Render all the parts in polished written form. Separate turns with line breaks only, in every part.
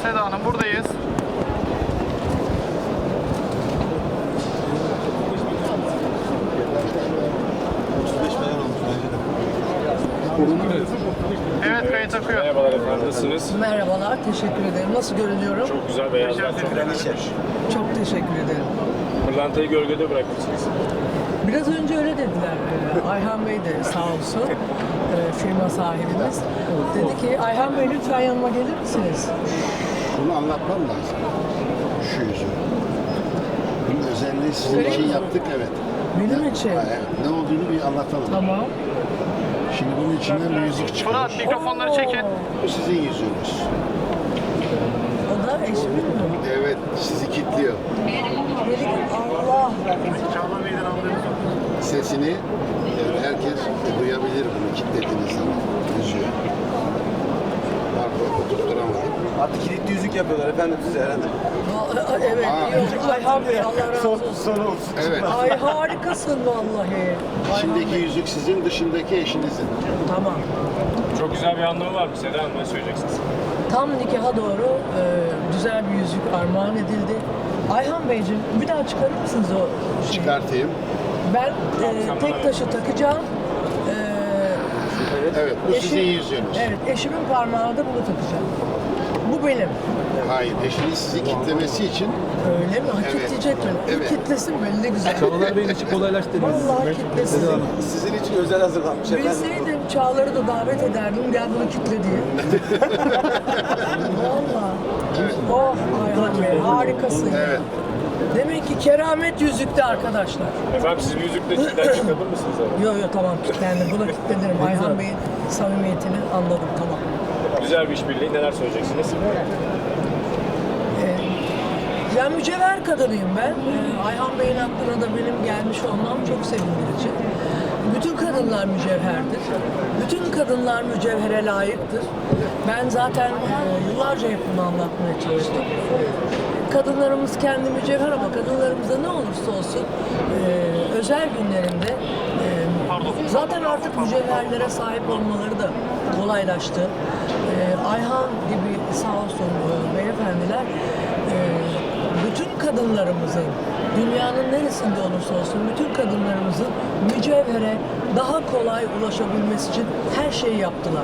Seda Hanım buradayız. Evet, kayıt akıyor.
Merhabalar efendim, nasılsınız?
Merhabalar, teşekkür ederim. Nasıl görünüyorum?
Çok güzel, beyazlar çok yakışmış.
Çok teşekkür ederim.
Pırlantayı gölgede bırakmışsınız.
Biraz önce öyle dediler. Ayhan Bey de sağ olsun, firma sahibimiz. Dedi ki, Ayhan Bey lütfen yanıma gelir misiniz?
Bunu anlatmam lazım. Şu yüzü. Bunun özelliği sizin için yaptık, evet.
Benim için.
Evet. Ne olduğunu bir anlatalım.
Tamam.
Şimdi bunun içinden müzik çıkıyor.
Fırat, mikrofonları çekin.
Bu sizin yüzünüz.
O da eşimin mi?
Evet, sizi kilitliyor.
Dedik, Allah!
Sesini herkes duyabilir bunu kilitlediğiniz zaman. Yüzüyor. Pardon, tutturamadım.
Artık kilitli yüzük yapıyorlar efendim size herhalde.
Evet, yok. Ayhan Bey, Allah razı olsun.
Son olsun.
Evet.
Ay harikasın vallahi.
İçindeki yüzük sizin, dışındaki eşinizin.
Tamam.
Çok güzel bir anlamı var mı Seda Hanım, ne söyleyeceksiniz?
Tam nikaha doğru güzel bir yüzük armağan edildi. Ayhan Beyciğim bir daha çıkarır mısınız o şeyi?
Çıkartayım.
Ben tek taşı takacağım.
Evet, bu sizin yüzüğünüz.
Evet, eşimin parmağına da bunu takacağım. Bu benim.
Hayır, eşiniz sizi kilitlemesi için
Öyle mi? Ha,
Evet.
kitleyecek beni.
Evet.
Kitlesin beni ne güzel.
Çağlar Bey'in işi kolaylaştırırız.
Vallahi kitlesin.
Sizin için özel hazırlanmış efendim.
Bilseydim Çağlar'ı da davet ederdim. Gel bunu kitle diye. Vallahi. Oh Ayhan Bey harikasın.
Evet.
Demek ki keramet yüzükte arkadaşlar.
Efendim siz bir yüzükle içinden çıkabilir misiniz?
Yok tamam kilitlendim. Buna kilitlenirim. Ayhan Bey'in samimiyetini anladım tamam.
Güzel bir işbirliği, neler söyleyeceksiniz?
Ben mücevher kadınıyım ben. Ayhan Bey'in aklına da benim gelmiş olmam çok sevindirici. Bütün kadınlar mücevherdir. Bütün kadınlar mücevhere layıktır. Ben zaten yıllarca hep bunu anlatmaya çalıştım. Kadınlarımız kendi mücevher ama kadınlarımıza ne olursa olsun özel günlerinde zaten artık mücevherlere sahip olmaları da kolaylaştı. Ayhan gibi sağ olsun beyefendiler bütün kadınlarımızın dünyanın neresinde olursa olsun bütün kadınlarımızın mücevhere daha kolay ulaşabilmesi için her şeyi yaptılar.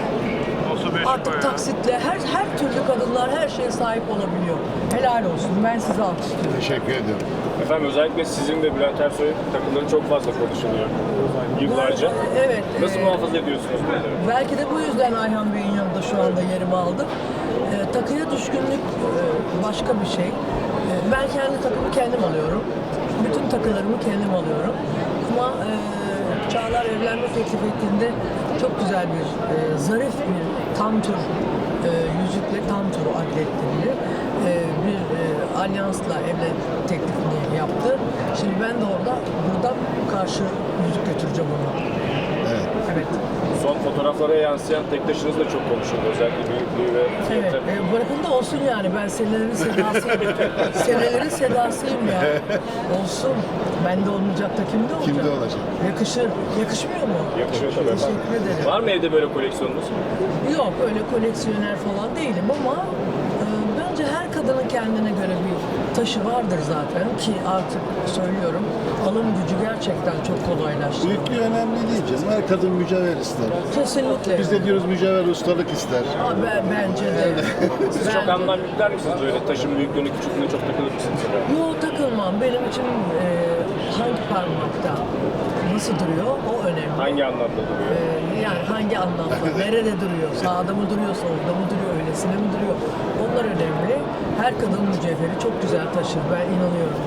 Artık taksitle her türlü kadınlar her şeye sahip olabiliyor. Helal olsun. Ben sizi alkışlıyorum.
Teşekkür ediyorum.
Efendim özellikle sizin ve Bülent Ersoy'un takımları çok fazla konuşuluyor yıllarca.
Evet.
Nasıl muhafaza ediyorsunuz bunları?
Belki de bu yüzden Ayhan Bey'in yanında şu anda yerimi aldım. Takıya düşkünlük başka bir şey. Ben kendi takımı kendim alıyorum. Bütün takılarımı kendim alıyorum. Ama Çağlar evlenme teklif ettiğinde çok güzel bir, zarif bir tam tur yüzükle tam tur adlettiğini bir alyansla evlilik teklifini yaptı. Şimdi ben de buradan karşı yüzük götüreceğim onu.
Evet.
Evet.
Son fotoğraflara yansıyan tek taşınız da çok konuşuldu. Özellikle büyüklüğü ve
Evet,
fiyatı.
bırakın da olsun yani. Ben senelerin sedasıyım. Senelerin sedasıyım ya. Olsun. Bende olmayacak da kimde olacak?
Kimde olacak?
Yakışır. Yakışmıyor mu?
Yakışıyor tabii efendim.
Teşekkür ederim.
Var mı evde böyle koleksiyonunuz?
Yok öyle koleksiyoner falan değilim ama bence her kadının kendine göre bir taşı vardır zaten ki artık söylüyorum alım gücü gerçekten çok kolaylaştı.
Büyüklüğü önemli değil canım. Her kadın mücevher ister.
Kesinlikle.
Biz de diyoruz mücevher ustalık ister.
Bence de.
Siz çok anlam yükler misiniz böyle taşın büyüklüğünü, küçüklüğüne çok takılır mısınız?
Yok takılmam. Benim için hangi parmakta nasıl duruyor o önemli.
Hangi anlamda duruyor?
Yani hangi anlamda, nerede duruyor, sağda mı duruyor, solda mı duruyor, öylesine mi duruyor? Onlar önemli. Her kadın mücevheri çok güzel taşır, ben inanıyorum.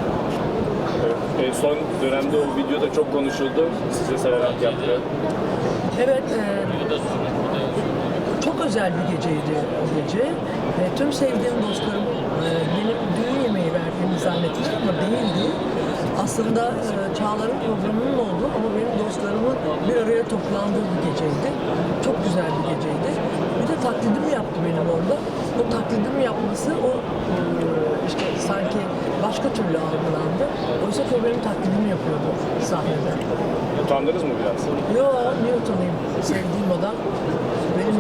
Son dönemde o videoda çok konuşuldu. Size severek yaptı.
Evet, çok özel bir geceydi o gece. Tüm sevdiğim dostlarım benim düğün yemeği verdiğimi zannettiler ama değildi. Aslında Çağlar'ın programının olduğu ama benim dostlarımın bir araya toplandığı bir geceydi. Çok güzel bir geceydi. Bir de taklidimi yaptı benim orada. O taklidimi yapması o işte sanki başka türlü algılandı. Oysa ki o benim taklidimi yapıyordu sahnede.
Utandınız mı biraz?
Yo, niye utanayım? Sevdiğim adam benimle ilgili güzel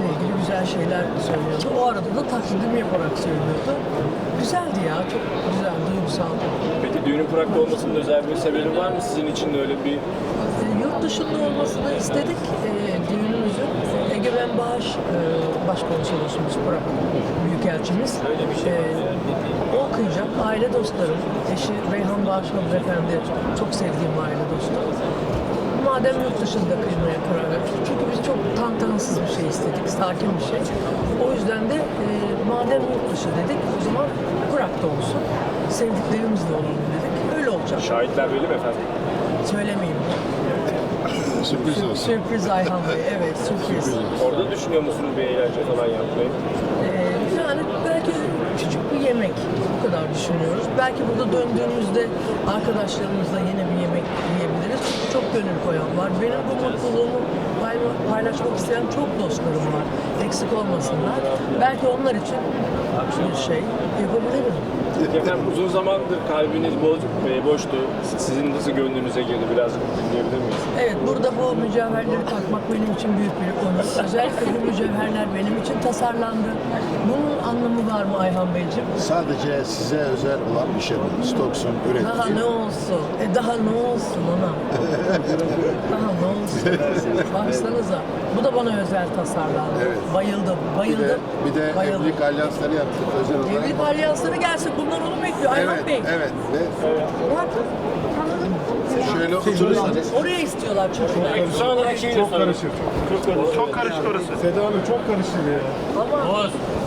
güzel şeyler söylüyordu. O arada da taklidim yaparak söylüyordu. Güzeldi ya, çok güzel, duygusal.
Peki düğünün Prag'da olmasının özel bir sebebi var mı sizin için de öyle bir?
Yurt dışında olmasını istedik düğünümüzün. Egemen Bağış Başkonsolosumuz Prag Büyükelçimiz. O okuyacak, aile dostlarım, eşi Reyhan Bağış Hanımefendi çok sevdiğim aile dostu. Madem yurt dışında kıymaya karar verdik, çünkü biz çok tantanasız bir şey istedik, sakin bir şey. O yüzden de madem yurt dışı dedik, o zaman Prag'da olsun, sevdiklerimizle olalım dedik. Öyle olacak.
Şahitler belli mi efendim?
Söylemeyeyim.
Sürpriz olsun.
Sürpriz Ayhan Bey, evet sürpriz.
Orada düşünüyor musunuz bir eğlence falan yapmayı?
Yani belki küçük bir yemek, bu kadar düşünüyoruz. Belki burada döndüğümüzde arkadaşlarımızla yine bir yemek yiyebiliriz. Çok gönül koyan var. Benim bu mutluluğumu paylaşmak isteyen çok dostlarım var. Eksik olmasınlar. Belki onlar için bir şey yapabilirim.
Efendim uzun zamandır kalbiniz boştu. Sizin nasıl gönlünüze girdi birazcık dinleyebilir miyiz?
Evet, burada bu mücevherleri takmak benim için büyük bir onur. Özellikle bu mücevherler benim için tasarlandı. Bunun anlamı var mı Ayhan Beyciğim?
Sadece size özel olan bir şey bu. Stoks'un
Daha
ürettiği.
ne olsun? Daha ne olsun ona? Daha ne olsun? Baksanıza. Bu da bana özel tasarlandı.
Evet.
Bayıldım, bayıldım.
Bir de
bayıldım.
evlilik alyansları yaptık özel olarak.
Evlilik alyansları gelsin. Bunlar onu bekliyor. Ayhan
Evet,
Bey.
evet. Ve
Bak,
şöyle oturursanız
oraya istiyorlar çocuklar.
Son olarak şeyi de sorayım.
Çok karışık orası.
Seda Hanım çok karıştı ya.
Ama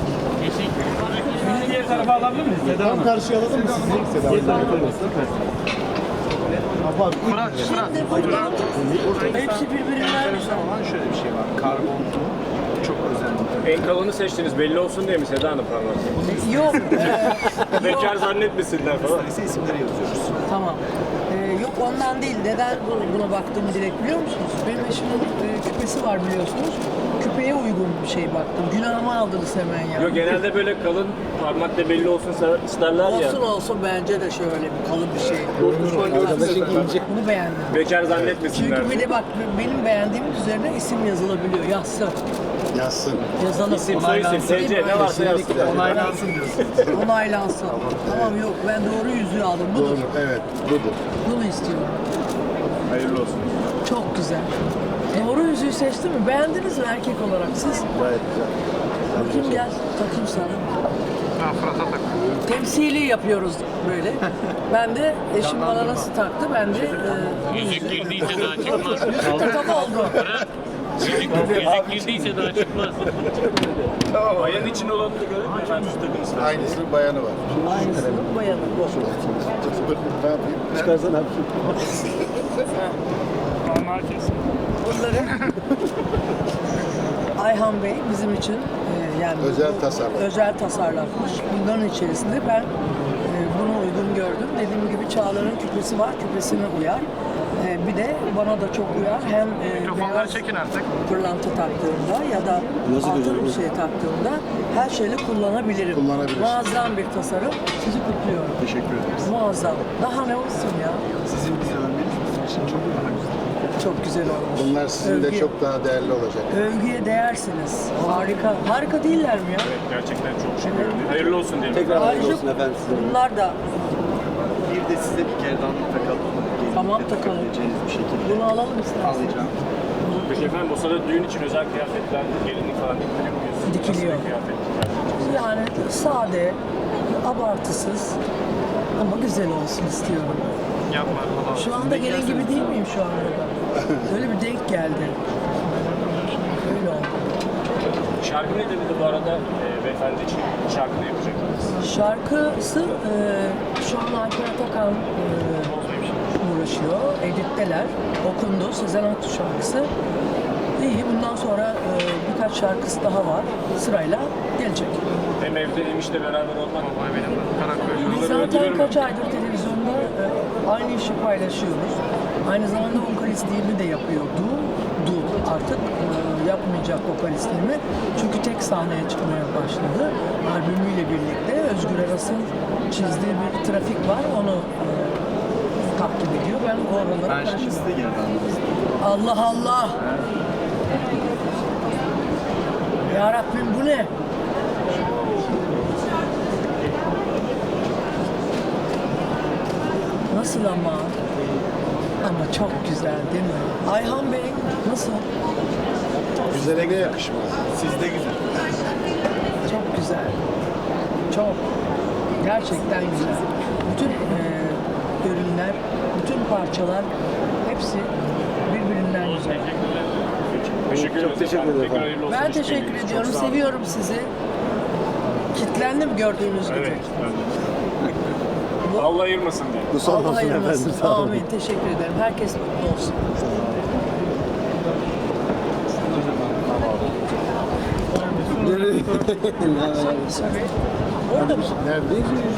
Bizi diğer tarafa alabilir miyiz? Seda Hanım. Tam karşıya alalım mı sizi? Seda Hanım.
Fırat,
hepsi birbirinden
Ama şöyle bir şey var. Karbon çok özel.
En kalını seçtiniz belli olsun diye mi Seda Hanım parmak?
Yok.
Bekar zannetmesinler falan.
Neyse isimleri yazıyoruz.
Tamam. Yok ondan değil. Neden buna baktığımı direkt biliyor musunuz? Benim eşimin küpesi var biliyorsunuz. Küpeye uygun bir şey baktım. Günahımı aldınız hemen ya.
Yok genelde böyle kalın parmakla belli olsun isterler ya.
Olsun olsun bence de şöyle bir kalın bir şey. Bunu beğendim.
Bekar zannetmesinler.
Çünkü bir de bak benim beğendiğim üzerine isim yazılabiliyor. Yazsın.
yazsın.
Yazalım.
İsim, soyisim, TC ne varsa yazsın.
Onaylansın diyorsun.
Onaylansın. Tamam yok ben doğru yüzüğü aldım. Budur.
Doğru, evet, budur.
Bunu istiyorum.
Hayırlı olsun.
Çok güzel. Doğru yüzüğü seçtin mi? Beğendiniz mi erkek olarak siz?
Gayet güzel.
Bakayım gel, takayım sana.
Ha, Fırat'a tak.
Temsili yapıyoruz böyle. Ben de eşim bana nasıl taktı, ben de
Yüzük girdiyse daha çıkmaz.
takam oldu.
Yüzük girdiyse daha çıkmaz.
Bayan için olanı da görelim mi efendim? Şu takımızda.
Aynısının bayanı var.
Aynısının bayanı.
Ne yapayım?
Çıkarsana abi.
Onlar kesin.
Bunları Ayhan Bey bizim için yani
Özel
bu-
tasarlam.
özel tasarlanmış. Bunların içerisinde ben bunu uygun gördüm. Dediğim gibi Çağlar'ın küpesi var, küpesine uyar. Bir de bana da çok uyar. Hem
Mikrofonları
beyaz
çekin artık.
pırlanta taktığımda ya da altın bir şey taktığımda her şeyle kullanabilirim.
Kullanabilirsin.
Muazzam bir tasarım. Sizi kutluyorum.
Teşekkür ederiz.
Muazzam. Daha ne olsun ya?
Sizin bize övmeniz bizim için çok daha güzel.
Çok güzel olmuş.
Bunlar sizin de
Övgü-
çok daha değerli olacak.
Övgüye değersiniz. Harika. Harika değiller mi ya?
Gerçekten çok şey görünüyor. Hayırlı olsun diyelim.
Tekrar hayırlı
Ayrıca
olsun efendim size.
bunlar da
Bir de size bir gerdan takalım. Gelin
Tamam,
de
takalım.
takabileceğiniz bir şekilde.
bunu alalım isterseniz.
Alacağım.
Peki efendim o sırada düğün için özel kıyafetler, gelinlik falan dikiliyor muyuz?
Dikiliyor.
Nasıl bir kıyafet?
Yani sade, abartısız ama güzel olsun istiyorum.
Yapma. Allah.
Şu anda gelin gibi değil miyim şu anda? Öyle bir denk geldi. Öyle oldu.
Şarkı ne dedi bu arada beyefendi için? Şarkı ne yapacaksınız?
Şarkısı şu an Alper Atakan uğraşıyor. Editteler. Okundu. Sezen Aksu şarkısı. İyi. Bundan sonra birkaç şarkısı daha var. Sırayla gelecek.
Hem evde hem işte beraber olmak.
Vallahi benim de Karaköy.
Biz zaten kaç aydır televizyonda aynı işi paylaşıyoruz. Aynı zamanda vokalistliğimi de yapıyordu. Artık yapmayacak vokalistliğimi. Çünkü tek sahneye çıkmaya başladı. Albümüyle birlikte Özgür Aras'ın çizdiği bir trafik var. Onu takip ediyor. Ben o araları
Ben şimdi size gerdan
Allah Allah! Ya Rabbim bu ne? Nasıl ama? Ama çok güzel değil mi? Ayhan Bey nasıl?
Güzele de yakışmaz.
Sizde güzel.
Çok güzel. Çok. Gerçekten güzel. Bütün ürünler, bütün parçalar hepsi birbirinden güzel.
Teşekkür
Çok teşekkür ederim.
Tekrar hayırlı olsun.
Ben
İşbirliğiniz.
teşekkür
Çok
ediyorum.
sağ olun.
Seviyorum sizi. Kitlendim gördüğünüz gibi.
Evet. Allah ayırmasın diye.
Bu son
Allah
olsun efendim.
ayırmasın.
Sağ olun.
Amin. Teşekkür ederim. Herkes mutlu olsun.
Nereye?
Orada mı?
Neredeyiz?